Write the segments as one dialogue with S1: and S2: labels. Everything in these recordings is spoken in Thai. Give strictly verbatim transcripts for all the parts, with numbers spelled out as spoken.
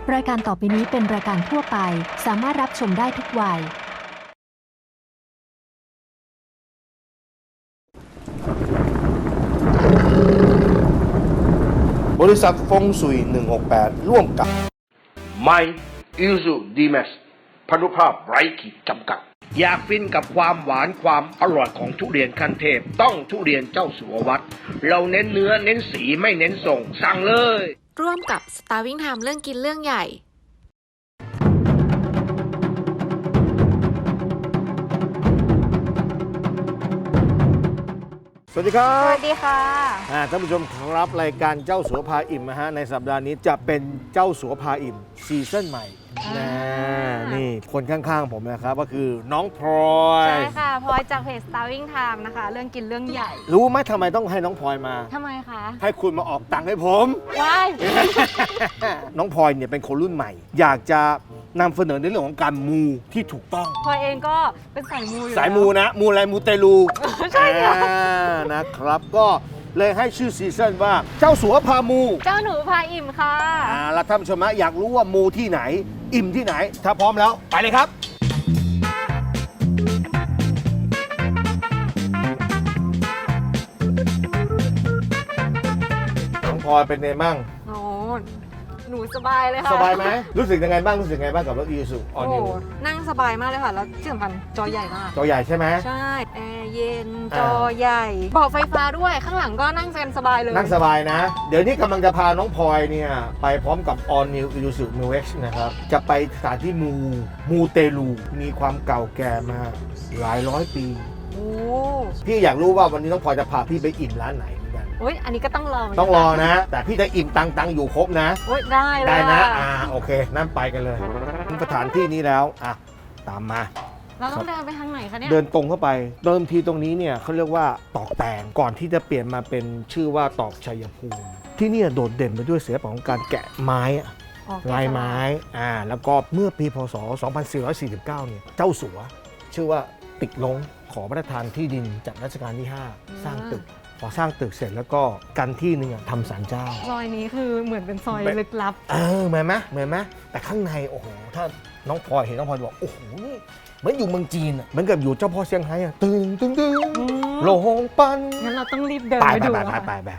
S1: รายการต่อไปนี้เป็นรายการทั่วไปสามารถรับชมได้ทุกวัย
S2: บริษัทฟงสุยหนึ่งหกแปดร่วมกับ
S3: ไมอิลซูดีแมสพนุภาพไร้ขีดจำกัด อยากฟินกับความหวานความอร่อยของทุเรียนขั้นเทพต้องทุเรียนเจ้าสัววัดเราเน้นเนื้อเน้นสีไม่เน้นส่งสั่งเลย
S4: ร่วมกับ Starving Time เรื่องกินเรื่องใหญ่
S2: สวัสดีครั
S5: ส
S2: บ
S5: วัสดีค่ะ
S2: อ่าท่านผู้ชมครับรายการเจ้าสัวพาอิ่มนะฮะในสัปดาห์นี้จะเป็นเจ้าสัวพาอิ่มซีซั่นใหม่นะนี่คนข้างๆผมนะครับก็คือน้องพลอย
S5: ใช่ค่ะพลอยจากเพจ Starving Time นะคะ เรื่องกินเรื่องใหญ่
S2: รู้ไหมทำไมต้องให้น้องพลอยมา
S5: ทำไมคะ
S2: ให้คุณมาออกตังค์ให้ผม
S5: ว้าย
S2: น้องพลอยเนี่ยเป็นคนรุ่นใหม่ อยากจะนำเสนอในเรื่องของการมูที่ถูกต้อง
S5: พลอยเองก็เป็นสายมูอยู่
S2: สาย
S5: แล้ว
S2: มูนะ มูอะไรมูเตลู
S5: ใช่ค่ะ
S2: อ่านะครับ ก็เลยให้ชื่อซีซั่นว่าเจ้าสัวพามู
S5: เจ้าหนูพาอิ่มค่ะ
S2: อ่าแล้วท่านผู้ชมฮะอยากรู้ว่ามูที่ไหน อิ่มที่ไหน ถ้าพร้อมแล้ว ไปเลยครับ น้องพลอยเป็นไงบ้าง
S5: โอ้หนูสบายเลยค่ะ
S2: สบายไหม รู้สึกยังไงบ้าง รู้สึกยังไงบ้างกับรถอีซูออ
S5: โอ้
S2: นิว
S5: นั่งสบายมากเลยค่ะ แล้วที่สำคัญจอใหญ่มาก
S2: จอใหญ่ใช่ไหม
S5: ใช่ แอร์เย็น
S2: อ่า
S5: จอใหญ่เบาะไฟฟ้าด้วย ข้างหลังก็นั่งกันสบายเลย
S2: นั่งสบายนะ เดี๋ยวนี้กำลังจะพาน้องพลอยเนี่ย ไปพร้อมกับ All New Isuzu Mu X นะครับ จะไปสถานที่มู มูเตลู มีความเก่าแก่มาหลายร้อยปี
S5: โอ้
S2: พี่อยากรู้ว่าวันนี้น้องพลอยจะพาพี่ไปอิ่มร้านไหนเหมือนกัน
S5: โอ้ยอันนี้ก็ต้องลอง
S2: ต้องรอนะ แต่พี่จะอิ่มตังตังอยู่ครบนะ
S5: โอ้ยได้เลย
S2: ได้นะ
S5: ค่
S2: อ่า โอเค นั่นไปกันเลยถึงสถานที่นี้แล้ว อ่ะ ตามมา
S5: เราต้องเดินไปทางไหนคะเนี่ย
S2: เดินตรงเข้าไป เดิมทีตรงนี้เนี่ยเขาเรียกว่าตอกแตง ก่อนที่จะเปลี่ยนมาเป็นชื่อว่าตอกชัยภูมิ ที่เนี่ยโดดเด่นไปด้วยศิลปะของการแกะไม้อะ
S5: อ๋อ
S2: ลายไม้ อ่า แล้วก็เมื่อปีพศ สองพันสี่ร้อยสี่สิบเก้า เนี่ย เจ้าสัว ชื่อว่าติกลงขอพระราชทานที่ดินจากรัชกาลที่ ห้า สร้างตึก พอสร้างตึกเสร็จแล้วก็กันที่หนึงอะทำศาลเจ้า
S5: ซอยนี้คือเหมือนเป็นซอย
S2: แบบ
S5: ลึกลับ
S2: เออเหมือนไหมเหมือนไหมแต่ข้างใน โอ้โห ถ้าน้องพลอยเห็นน้องพลอยจะบอก โอ้โห นี่เหมือนอยู่เมืองจีนอะเหมือนกับอยู่เจ้าพ่อเซี่ยงไฮ้อะตึงตึงตึง
S5: อืม
S2: โลหงปัน
S5: งั้นเราต้องรีบเดิน
S2: ไป
S5: ไป
S2: ไป
S5: ดู
S2: ไป
S5: อะ
S2: ไป
S5: ค่ะ
S2: ไปไป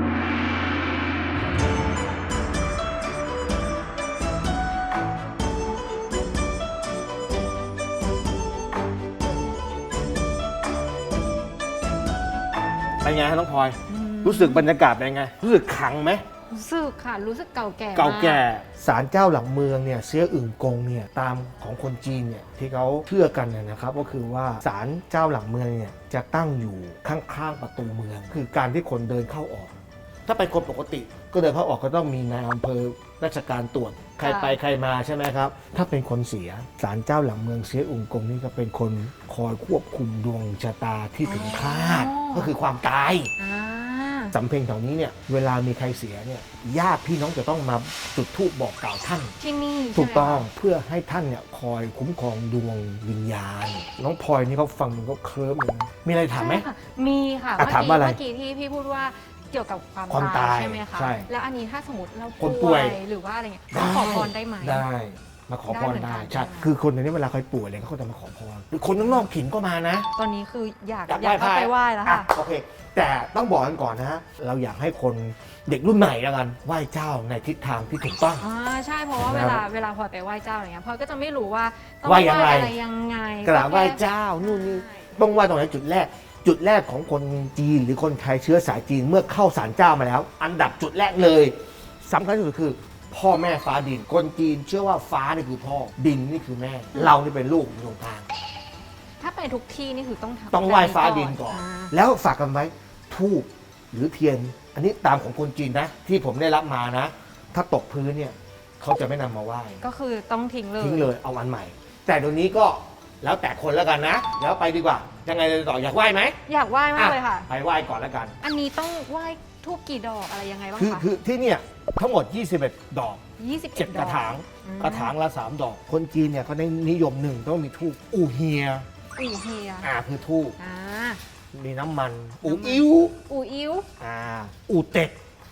S2: เป็นไงฮะน้องพลอย รู้สึกบรรยากาศเป็นไง รู้สึกขลังไหม
S5: รู้สึกค่ะ รู้สึกเก่าแก่
S2: เก่าแก่
S5: ม
S2: ศาลเจ้าหลังเมืองเนี่ยเสียอึ่งกงเนี่ยตามของคนจีนเนี่ยที่เขาเชื่อกันเนี่ยนะครับก็คือว่าศาลเจ้าหลังเมืองเนี่ยจะตั้งอยู่ข้างๆประตูเมือง คือการที่คนเดินเข้าออก ถ้าเป็นคนปกติก็เดินเข้าออกก็ต้องมีนายอำเภอราชการตรวจใครไปใครมาใช่ไหมครับ ถ้าเป็นคนเสียศาลเจ้าหลังเมืองเสียอึ่งกงนี่ก็เป็นคนคอยควบคุมดวงชะตาที่ถึงคาดก็คือความตาย
S5: อ่า
S2: สำเพ็งแถวนี้เนี่ยเวลามีใครเสียเนี่ยญาติพี่น้องจะต้องมาจุดธูปบอกกล่าวท่าน
S5: ที่นี่
S2: ถูกต้อง
S5: ใช่ไหมคะ
S2: เพื่อให้ท่านเนี่ยคอยคุ้มครองดวงวิญญาณ น้องพลอยนี่เขาฟังมันก็เคลิ้มเลยนะมีอะไรถามไหม
S5: ใช่ค่ะมีค่ะ
S2: อ่ะ
S5: เมื่อ
S2: ถาม
S5: กี้
S2: ว่าอะไร
S5: เมื่อกี้ที่พี่พูดว่าเกี่ยวกับความ
S2: ความ
S5: ตา
S2: ตาย ย
S5: ใช่ไหมคะ
S2: ใช่
S5: แล้วอันนี้ถ้าสมมติเรา
S2: คนป่
S5: ป่
S2: ว
S5: วย ยหรือว่าอะไรเงี้ยเราขอพรได้ไหม
S2: ได้มาขอพร
S5: ได้เหมือนกั
S2: ได้
S5: น
S2: ใช่
S5: ใช่ไหม
S2: คือคนในนี้เวลาใครป่วยอะไรเขาก็จะมาขอพรหรือคนข้างนอกถิ่นก็มานะ
S5: ตอนนี้คืออยาก
S2: อยาก
S5: อยาก
S2: ไหว้
S5: เข้า
S2: พระ
S5: ไปไหว้แล้ว
S2: อ่ะ
S5: ค่ะ
S2: โอเค แต่ต้องบอกกันก่อนนะฮะเราอยากให้คนเด็กรุ่นใหม่แล้วกันไหว้เจ้าในทิศทางที่ถูกต้อง
S5: อ่าใช่เพราะว่า
S2: นะ
S5: เวลาเวลาพลอยไปไหว้เจ้าอะไรเงี้ยพลอยก็จะไม่รู้ว่าต้อง
S2: ไหว้ยังไง
S5: อะไรยังไง
S2: กราบไหว้
S5: แค่
S2: เจ้านู่นนี่ต้องไหว้ตรงไหนจุดแรก จุดแรกของคนจีนหรือคนไทยเชื้อสายจีนเมื่อเข้าศาลเจ้ามาแล้ว อันดับจุดแรกเลยสำคัญที่สุดคือ พ่อแม่ฟ้าดิน คนจีนเชื่อว่าฟ้านี่คือพ่อดินนี่คือแม่ เรานี่เป็นลูกอยู่ตรงกลาง
S5: ถ้าไปทุกที่นี่คือต้องทำ
S2: ต้องไหว้ฟ้าดินก่อน
S5: า
S2: แล้วฝากกันไว้ทูบหรือเทียน อันนี้ตามของคนจีนนะ ที่ผมได้รับมานะ ถ้าตกพื้นเนี่ยเขาจะไม่นำมาไหว้
S5: ก็คือต้องทิ้งเลย
S2: ทิ้งเลยเอาอันใหม่ แต่เดี๋ยวนี้ก็แล้วแต่คนแล้วกันนะแล้วไปดีกว่ายังไงต่ออยากไหว้ไหม
S5: อยากไหว้มากเลยค่ะ
S2: ไปไหว้ก่อนแล้วกัน
S5: อันนี้ต้องไหว้ทูบกี่ดอกอะไรยังไงบ้าง
S2: คือ
S5: คะ
S2: คือที่เนี่ยทั้งหมดยี่สิบเอ็ดดอก
S5: ยี่สิบ
S2: เจ็ด
S5: ด
S2: ก
S5: อ
S2: ระถาง
S5: อืม
S2: กระถางละสามดอก คนจีนเนี่ยเขาได้นิยมหนึ่งต้องมีทูบอูเฮีย
S5: อู่เฮีย
S2: อ่าคือทูบ
S5: อ่า
S2: มีน้ำมันอู
S5: น้ำมัน
S2: อิ้ว
S5: อู่อิ้ว
S2: อ่าอูเต็ก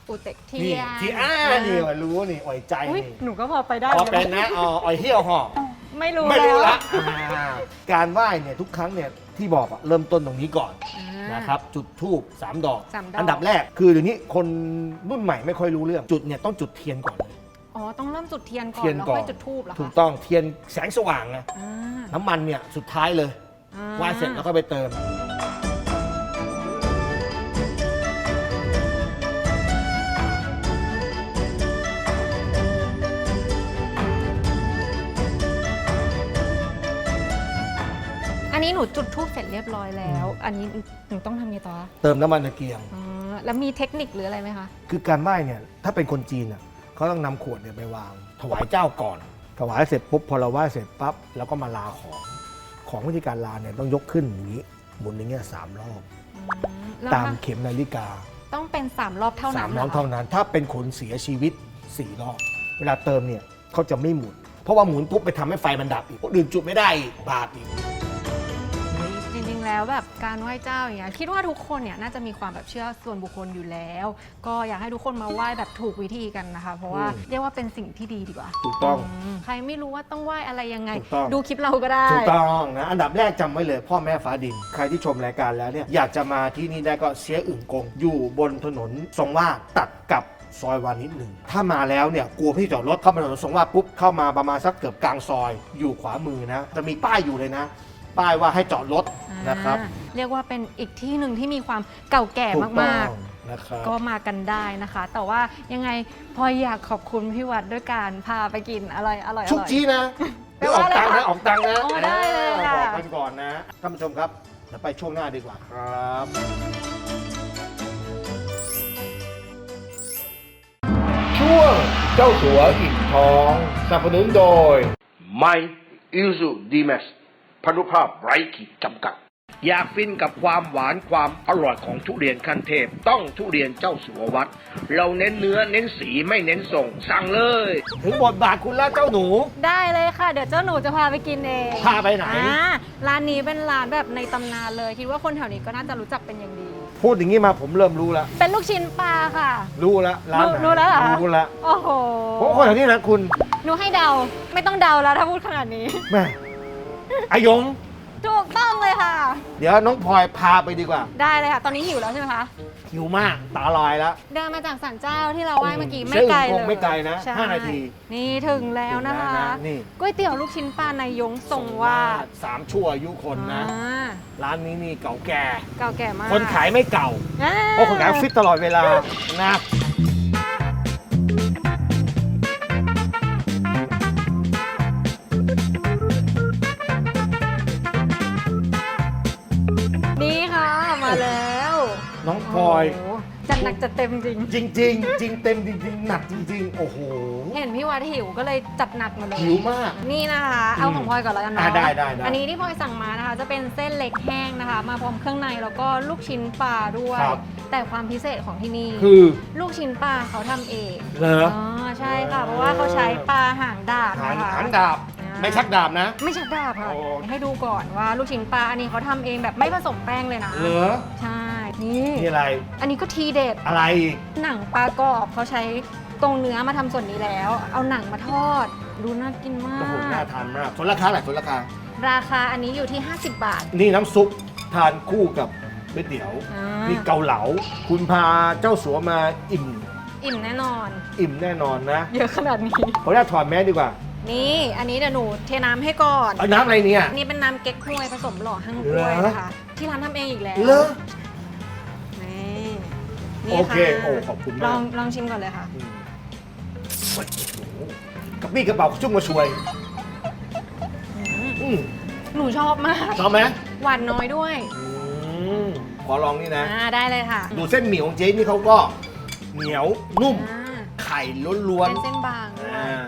S5: อูเต็กเที
S2: นี่
S5: ยน
S2: ที่อ้านี่ว่ารู้นี่อ่อยใจ
S5: อุ๊ย
S2: นี่
S5: หนูก็พอไปได้
S2: พอเป็นนะอ๋ออ่อยเที่ยวหอ
S5: ไม่รู้
S2: ไม่รู้
S5: แล้
S2: ละ
S5: ว
S2: อ่าการไหว้เนี่ยทุกครั้งเนี่ยที่บอกอะเริ่มต้นตรงนี้ก่อน
S5: อ่า
S2: นะครับจุดธูปสามดอก
S5: สามดอก
S2: อันดับแรกคือเดี๋ยวนี้คนรุ่นใหม่ไม่ค่อยรู้เรื่องจุดเนี่ยต้องจุดเทียนก่อนเลย
S5: อ๋อต้องเริ่มจุดเทียนก่อน
S2: เทียน
S5: แล้ว
S2: ก่อน
S5: ค่อยจุดธูปเหรอคะ
S2: ถูกต้องเทียนแสงสว่างนะ
S5: อ่า
S2: น้ำมันเนี่ยสุดท้ายเลย
S5: อ่า
S2: ไหว้เสร็จแล้วก็ไปเติม
S5: อันนี้หนูจุดธูปเสร็จเรียบร้อยแล้ว อันนี้หนูต้องทำไงต่อคะ
S2: เติมน้ำมันตะเกียง
S5: อ๋อแล้วมีเทคนิคหรืออะไรไหมคะ
S2: คือการไหว้เนี่ยถ้าเป็นคนจีนอ่ะเขาต้องนำขวดเนี่ยไปวาง ถวายเจ้าก่อน ถวายเสร็จปุ๊บพอเราไหว้เสร็จปั๊บแล้วก็มาลาของ ของวิธีการลาเนี่ยต้องยกขึ้นอย่างนี้หมุนอย่างเงี้ยสามรอบ
S5: อืมแล้ว
S2: ตาม
S5: ถ้า
S2: เข็มนาฬิกา
S5: ต้องเป็นสามรอบเท่า
S2: สา
S5: นั้
S2: ม
S5: น
S2: รอบ
S5: หคะ
S2: เท่านั้น ถ้าเป็นคนเสียชีวิตสี่รอบ เวลาเติมเนี่ยเขาจะไม่หมุน เพราะว่าหมุนปุ๊บไปทำให้ไฟมันดับอีกคนอื่นจุดไม่ได้อีกบาปอีก
S5: จริงๆแล้วแบบการไหว้เจ้าอย่างเงี้ยคิดว่าทุกคนเนี่ยน่าจะมีความแบบเชื่อส่วนบุคคลอยู่แล้ว ก็อยากให้ทุกคนมาไหว้แบบถูกวิธีกันนะคะ เพราะว่า
S2: อืม
S5: เรียกว่าเป็นสิ่งที่ดีดีกว่า
S2: ถูกต้อง
S5: มใครไม่รู้ว่าต้องไหว้อะไรยังไง
S2: ถูกต้อง
S5: ดูคลิปเราก็ได้
S2: ถูกต้องนะอันดับแรกจำไว้เลยพ่อแม่ฟ้าดิน ใครที่ชมรายการแล้วเนี่ยอยากจะมาที่นี่ได้ก็เสียอึ่งกง อยู่บนถนนทรงวาดตัดกับซอยวานิดหนึ่งถ้ามาแล้วเนี่ยกลัวพี่จอดรถเข้ามาถนนทรงวาดปุ๊บเข้ามาประมาณสักเกือบกลางซอยอยู่ขวามือนะจะมีป้ายอยู่เลยนะ ป้ายว่าให้จอดรถนะครับ
S5: อ่าเรียกว่าเป็นอีกที่หนึ่งที่มีความเก่าแก่
S2: ถูกต้
S5: มา
S2: อก งนะครับ
S5: ๆ ก็มากันได้นะคะ แต่ว่ายังไงพลอยอยากขอบคุณพี่วัดด้วยการพาไปกินอะไรอร่อยๆ
S2: ชุกชี้นะ
S5: แปล
S2: ออ
S5: ว่าก อะไร
S2: ตังค์
S5: คะ
S2: นะออกตังค์นะ
S5: อ๋อได้เลยค่ะ
S2: บอกกันก่อนนะท่านผู้ชมครับเดี๋ยวไปช่วงหน้าดีกว่าครับ ช่วงเจ้าสัวอิ่มท้องสนับสนุนโดย
S3: ไมอิลซูดีแมสพนุภาพไร้ขีดจำกัด อยากฟินกับความหวานความอร่อยของทุเรียนขั้นเทพ ต้องทุเรียนเจ้าสัววัด เราเน้นเนื้อเน้นสีไม่เน้นส่ง สั่งเลย
S2: ถึงบทบาทคุณแล้วเจ้าหนู
S5: ได้เลยค่ะ เดี๋ยวเจ้าหนูจะพาไปกินเอง
S2: พาไปไหน
S5: อ่าร้านนี้เป็นร้านแบบในตำนานเลย คิดว่าคนแถวนี้ก็น่าจะรู้จักเป็นอย่างดี
S2: พูดอย่างนี้มาผมเริ่มรู้แล้ว
S5: เป็นลูกชิ้นปลาค่ะ
S2: รู้แล้วร้านไหน
S5: รู้แล้วเหรอ
S2: รู้แล้ว
S5: โอ้โห
S2: เพราะคนแถวนี้นะคุณ
S5: หนูให้เดา ไม่ต้องเดาแล้วถ้าพูดขนาดนี้
S2: แม่อายง
S5: ถูกต้องเลยค่ะ
S2: เดี๋ยวน้องพลอยพาไปดีกว่า
S5: ได้เลยค่ะ ตอนนี้หิวแล้วใช่ไหมคะ
S2: หิวมากตาลอยแล้ว
S5: เดินมาจากศาลเจ้าที่เราไหว้เมื่อกี้
S2: อืม
S5: ไม่ไกล
S2: ซึ่งค
S5: เล
S2: ง
S5: ย
S2: ไม่ไกลนะ
S5: ใช่
S2: ห้านาที
S5: นี่ถึงแล้วนะคะ
S2: ถึงแล้วนะนี่
S5: ก๋วยเตี๋ยวลูกชิ้นปลานายยงทรงวาด
S2: สามชั่วอายุคนนะ
S5: อ่า
S2: ร้านนี้นี่เก่าแก่
S5: เก่าแก่มาก
S2: คนขายไม่เก่า
S5: อ่า
S2: เพราะคนขายฟิตตลอดเวลานะ
S5: นี่ค่ะมาแล้ว
S2: น้องพลอย
S5: โโหจัดหนักจัดเต็มจริง
S2: จริง ๆ จริงเต็มจริง ๆ หนักจริง ๆ โอ้โห
S5: เห็นพี่วัดหิวก็เลยจัดหนักมาเลย
S2: หิวมาก
S5: นี่นะคะ เอาของพลอยก่อนแล้วกัน
S2: อ่ะ
S5: เนาะ
S2: ได้ได้ได้
S5: อันนี้ที่พลอยสั่งมานะคะ จะเป็นเส้นเล็กแห้งนะคะ มาพร้อมเครื่องในแล้วก็ลูกชิ้นปลาด้วย
S2: ครับ
S5: แต่ความพิเศษของที่นี่
S2: คือ
S5: ลูกชิ้นปลาเขาทำเอง
S2: เหรอ
S5: อ๋อใช่ค่ะ เพราะว่าเขาใช้ปลาหางดาบ
S2: หาง
S5: นะคะ
S2: หางดาบ
S5: อ่า
S2: ไม่ชักดาบนะ
S5: ไม่ชักดาบค่ะ
S2: โอ้
S5: ให้ดูก่อนว่าลูกชิ้นปลาอันนี้เขาทำเองแบบไม่ผสมแป้งเลยนะ
S2: เหรอ
S5: ใช่ นี่
S2: นี่อะไร
S5: อันนี้ก็ทีเด็ด
S2: อะไร
S5: หนังปลากรอบเขาใช้ตรงเนื้อมาทำส่วนนี้แล้ว เอาหนังมาทอด ดูน่ากินมา
S2: โอ้โหน่าก ทานมากส่วนราคาแหละส่วนราคา
S5: ราคาอันนี้อยู่ที่ ห้าสิบบาท
S2: นี่น้ำซุปทานคู่กับก๋วยเตี๋ยว
S5: อ่า
S2: นี่เกาเหลา คุณพาเจ้าสัวมาอิ่ม
S5: อิ่มแน่นอน
S2: อิ่มแน่นอนนะ
S5: เยอะขนาดนี้
S2: ขออนุญาตถอดแมสดีกว่า
S5: นี่ อันนี้เดี๋ยวหนูเทน้ำให้ก่อน
S2: เอาน้ำอะไรเนี่ย
S5: อันนี้เป็นน้ำเก๊กฮวยผสมหล่อหั่งกล้วย
S2: เหรอ
S5: นะคะ ที่ร้านทำเองอีกแล้ว
S2: เลอ
S5: นี่นี่
S2: โอเค
S5: ะ
S2: โอ้ขอบคุณมาก
S5: ลองลองชิมก่อนเลยค่ะ
S2: อืมโอ้โหกระปี้กระเป๋าชุ่มกระชวย
S5: อืม
S2: อืม
S5: หนูชอบมาก
S2: ชอบไหม
S5: หวานน้อยด้วย
S2: อืมขอลองนี่นะ
S5: อ่าได้เลยค่ะ
S2: ดูเส้นหมี่ของเจ๊นี่เขาก็เหนียวนุ่ม
S5: อ่า
S2: ไข่ล้วน
S5: เป็นเส้นบางด้วย
S2: อ่า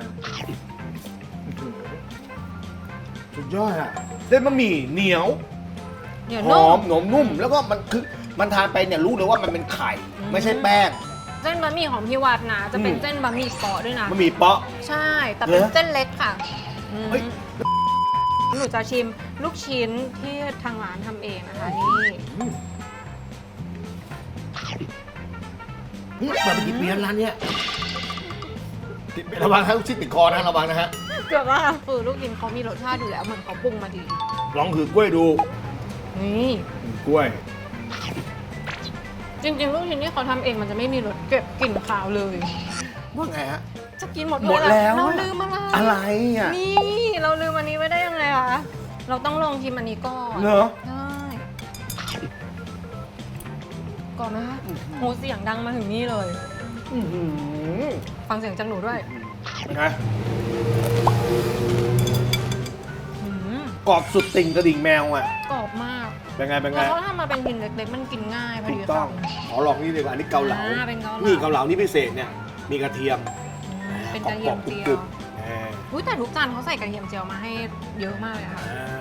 S2: สุดยอดอ่ะเส้นบะหมี่เหนียว
S5: เดี๋ยว
S2: ห
S5: นุ่
S2: อ
S5: ม
S2: มหนมนุ่ม แล้วก็มันคือมันทานไปเนี่ยรู้เลยว่ามันเป็นไข่
S5: อืม
S2: ไม่ใช่แป้ง
S5: เส้นบะหมี่ของพี่วัดนะจะเป็น
S2: อืม
S5: เส้นบะหมี่เปาะด้วยนะ
S2: บะหมี่เปาะ
S5: ใช่ แต่เป็น
S2: เหรอ
S5: เส้นเล็กค่ะอืม
S2: เฮ้ย
S5: หนูจะชิมลูกชิ้นที่ทางร้านทำเองนะคะนี่
S2: อืมนี่เปิดมากี่ปีแล้วร้านเนี้ยติดระวังฮะลูกชิ้นติดคอนะระวังนะฮะ
S5: เกือบว่าคือลูกชิ้นเขามีรสชาติอยู่แล้วเหมือนเขาปรุงมาดี
S2: ลองถือกล้วยดู
S5: นี่
S2: กล้วย
S5: จริงๆ ลูกชิ้นที่เขาทำเองมันจะไม่มีรสเก็บกลิ่นคาวเลย
S2: ว่าไงฮะ
S5: จะกินหมด
S2: หมดแล้ว
S5: เราลืมอะไร
S2: อะไรอ่ะ
S5: นี่เราลืมอันนี้ไว้ได้ยังไงคะเราต้องลองชิมอันนี้ก่อน
S2: เหรอ
S5: ใช่ก่อนไหมคะโหเสียงดังมาถึงนี่เลย
S2: อื้อหือ
S5: ฟังเสียงจากหนูด้วย
S2: เป็นไง
S5: อืม
S2: กรอบสุดติ่งกระดิ่งแมวอ่ะ
S5: กรอบมาก
S2: เป็นไงเป็นไง
S5: แล้วเขาทำมาเป็นชิ้นเล็กๆ มันกินง่ายพอ
S2: ถู
S5: ดี
S2: กต้อง
S5: คำ
S2: ขอลองนี่ดีกว่าอันนี้เกาเหลา
S5: อ่าเป็นเกาเหลา
S2: นี่เกาเหลานี่พิเศษเนี่ยมีกระเทียม
S5: อืมเป็นกระเทียมเจีย
S2: กร
S5: ว
S2: อบๆกรึบๆแหม
S5: อุ๊ยแต่ทุกจานเขาใส่กระเทียมเจียวมาให้เยอะมากเลยค่ะ
S2: อ่า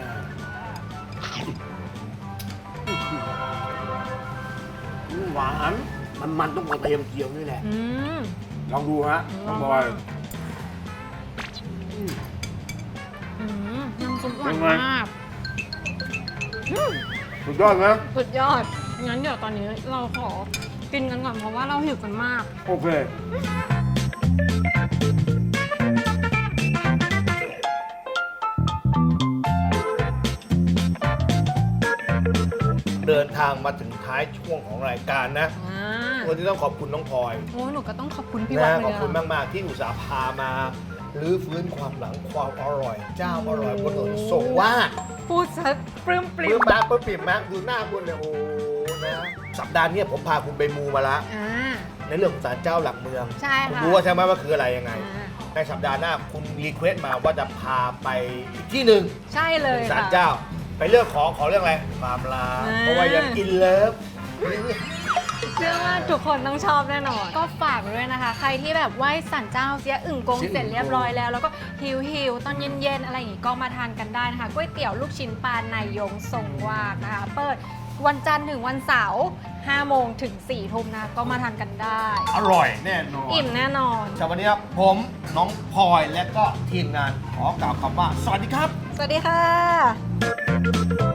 S2: หวานมันมันต้องกระเทียมเจียวนี่แหละ
S5: อืม
S2: ลองดูฮะ
S5: ล
S2: น้
S5: อ
S2: อง ง
S5: ดู
S2: บอย
S5: อืมน้ำซุปหวาน
S2: เป็นไง
S5: มากอืม
S2: สุดยอดไหม
S5: สุดยอด งั้นเดี๋ยวตอนนี้เราขอกินกันก่อนเพราะว่าเราหิวกันมาก
S2: โอเค เดินทางมาถึงท้ายช่วงของรายการนะ
S5: อ่า
S2: วันนี้ต้องขอบคุณน้องพลอย
S5: โอ้หนูก็ต้องขอบคุณพี่วัด
S2: นะ
S5: เลย
S2: ขอบคุณ
S5: อะ
S2: มาก ๆ ที่อุตส่าห์พามารื้อฟื้นความหลังความอร่อย เจ้าอร่อยบนถนนทรงวาด
S5: พูดซะปลื้มป
S2: ป
S5: ริ่
S2: ลื้
S5: ม
S2: มมากปลื้มปริ่มมากดูหน้าคุณเลยโอ้นะสัปดาห์เนี้ยผมพาคุณไปมูมาละ
S5: อ่า
S2: ในเรื่องของศาลเจ้าหลักเมือง
S5: ใช่
S2: คุณ
S5: ค่ะ
S2: รู้ว่าใช่ไหมว่าคืออะไรยังไง
S5: อ่า
S2: ในสัปดาห์หน้าคุณรีเควสต์มาว่าจะพาไปอีกที่หนึ่ง
S5: ใช่เลย
S2: ศาล
S5: ค่ะ
S2: เจ้า ไปเรื่องของขอเรื่องอะไรความรัก
S5: อ่า
S2: เพราะว่ายังอินเลิฟ
S5: เชื่อว่าทุกคนต้องชอบแน่นอน ก็ฝากไว้ด้วยนะคะ ใครที่แบบไหว้สันเจ้าเสียอึ่งกง
S2: เสียอึ่งกง
S5: เสร็จเรียบร้อยแล้ว แล้วก็หิวหิวๆตอนเย็นๆ อะไรอย่างงี้ก็มาทานกันได้นะคะก๋วยเตี๋ยวลูกชิ้นปลานายยงทรงวากนะคะ เปิดวันจันทร์ถึงวันเสาร์ห้าโมงถึงสี่ทุ่มนะคะก็มาทานกันได้
S2: อร่อยแน่นอน
S5: อิ่มแน่นอน
S2: สำหรับวันนี้ครับผมน้องพลอยและก็ทีมงานขอกล่าวคำว่า สวัสดีครับ
S5: สวัสดีค่ะ